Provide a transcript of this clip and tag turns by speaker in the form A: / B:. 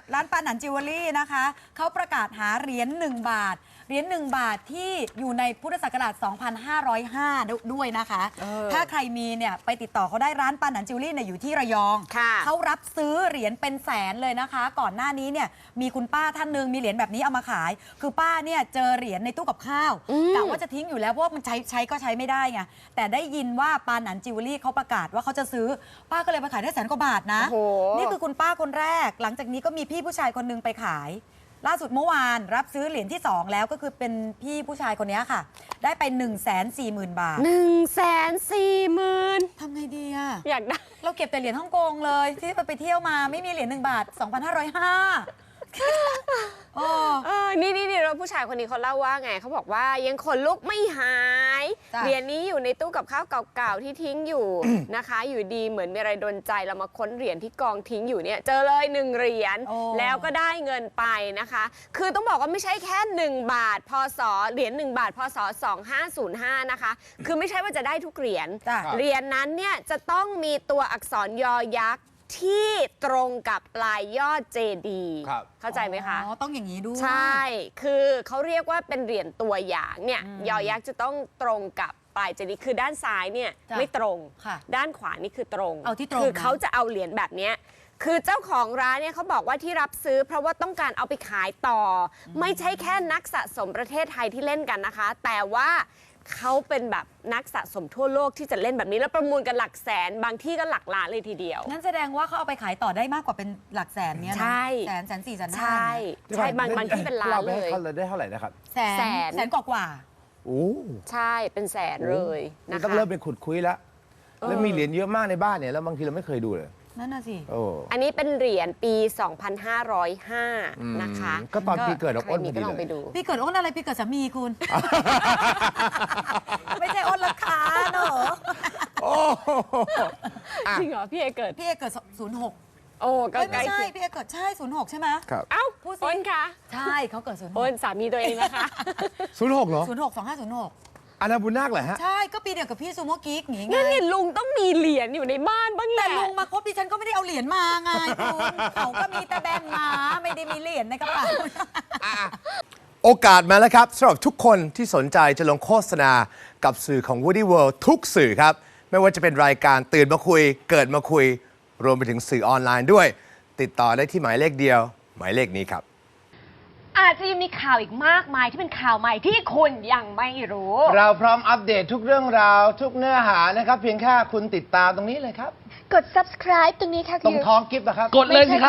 A: ร้านปานันจิวเวลรี่นะคะเขาประกาศหาเหรียญ1 บาทเหรียญ1 บาทที่อยู่ในพุทธศักราช 2505 ด้วยนะคะถ้าใครมีเนี่ยไปติดต่อเขาได้ร้านปานันจิวเวลรี่เนี่ยอยู่ที่ระยองเขารับซื้อเหรียญเป็นแสนเลยนะคะ ก่อนหน้านี้เนี่ยมีคุณป้าท่านหนึ่งมีเหรียญแบบนี้เอามาขายคือป้าเนี่ยเจอเหรียญในตู้กับข้าวกะว่าจะทิ้งอยู่แล้วเพราะว่ามันใช้ก็ใช้ไม่ได้ไงแต่ได้ยินว่าปานันจิวเวลรี่เขาประกาศว่าเขาจะซื้อป้าก็เลยไปขายได้100,000 กว่าบาทนะนี่คือคุณป้าคนแรกหลังจากนี้ก็มีพี่ผู้ชายคนนึงไปขายล่าสุดเมื่อวานรับซื้อเหรียญที่2แล้วก็คือเป็นพี่ผู้ชายคนนี้ค่ะได้ไป 140,000 บาท
B: 140,000
A: ทำไงดีอะ
B: อยากได้
A: เราเก็บแต่เหรียญฮ่องกงเลยที่ไปเที่ยวมาไม่มีเหรียญ1 บาท 2,505
B: นี่เราผู้ชายคนนี้เขาเล่าว่าไงเขาบอกว่ายังขนลุกไม่หายเหรียญนี้อยู่ในตู้กับข้าวเก่าๆที่ทิ้งอยู่ นะคะอยู่ดีเหมือนมีอะไรดลใจเรามาค้นเหรียญที่กองทิ้งอยู่เนี่ยเจอเลย1 เหรียญแล้วก็ได้เงินไปนะคะคือต้องบอกว่าไม่ใช่แค่1 บาทพศเหรียญ1 บาทพศ2505นะคะคือไม่ใช่ว่าจะได้ทุกเหรียญเหรียญนั้นเนี่ยจะต้องมีตัวอักษรยอยักษ์ที่ตรงกับปลายยอดเจดีย์เข้าใจไหมคะ
A: ต้องอย่างนี้ด้วย
B: ใช่คือเขาเรียกว่าเป็นเหรียญตัวอย่างเนี่ยยอยักษ์จะต้องตรงกับปลายเจดีย์คือด้านซ้ายเนี่ยไม่ตรงด้านขวานี่คือตรง
A: เอาที่ตรง
B: คือเขาจะเอาเหรียญแบบนี้คือเจ้าของร้านเนี่ยเขาบอกว่าที่รับซื้อเพราะว่าต้องการเอาไปขายต่อไม่ใช่แค่นักสะสมประเทศไทยที่เล่นกันนะคะแต่ว่าเขาเป็นแบบนักสะสมทั่วโลกที่จะเล่นแบบนี้แล้วประมูลกันหลักแสนบางที่ก็หลักล้านเลยทีเดียว
A: งั้นแสดงว่าเขาเอาไปขายต่อได้มากกว่าเป็นหลักแสนเนี่ยนะ
B: ใช่
A: 100,000 140,000 150,000
B: ใช่บางที่เป็นล้านเลย
C: เขาได้เท่าไหร่นะครับ
A: แสนกว่า
C: โอ้
B: ใช่เป็นแสนเลยนะคะ
C: ต้องเริ่มเป็นขุดคุยแล้วแล้วมีเหรียญเยอะมากในบ้านเนี่ยแล้วบางทีเราไม่เคยดูเลย
A: นั่นน่ะสิ
B: อันนี้เป็นเหรียญปี 2505 นะคะ
C: ก็ตอนปีเกิดเราอ้นพอดีเลย
A: ปีเกิดอ้นอะไรปีเกิดสามีคุณ ไม่ใช่อ้นราคาเนอะ
B: จริงเหรอพี่เอเกิด
A: 06
B: โอ้ก็
A: ไม่ใช่พี่เอเกิดใช่06ใช่ไหม
C: ครับ
B: เอ้าอ้นคะ
A: ใช่เขาเกิด06
B: อ้นสามีตัวเองนะคะ
C: 06เหรอ
A: 06 2506
C: อานาบุญนาคเหรอฮะ
A: ใช่ก็ปีเดียวกับพี่ซูโม่กิ๊กอย่างงี้ไง
B: นั่นไงลุงต้องมีเหรียญอยู่ในบ้านบ้างแหละ
A: แต่ลุงมาคบดิฉันก็ไม่ได้เอาเหรียญมาไงคุณเขาก็มีแต่แบงค์มาไม่ได้มีเหรียญในกระเป๋า
C: โอกาสมาแล้วครับสำหรับทุกคนที่สนใจจะลงโฆษณากับสื่อของ Woody World ทุกสื่อครับไม่ว่าจะเป็นรายการตื่นมาคุยเกิดมาคุยรวมไปถึงสื่อออนไลน์ด้วยติดต่อได้ที่หมายเลขเดียวหมายเลขนี้ครับ
B: อาจจะยังมีข่าวอีกมากมายที่เป็นข่าวใหม่ที่คุณยังไม่รู้
C: เราพร้อมอัปเดตทุกเรื่องราวทุกเนื้อหานะครับเพียงแค่คุณติดตามตรงนี้เลยครับ
B: กด subscribe ตรงนี้ค่ะ
C: ตรงท้องกิฟต์นะครับ
B: กดเลยสิครับ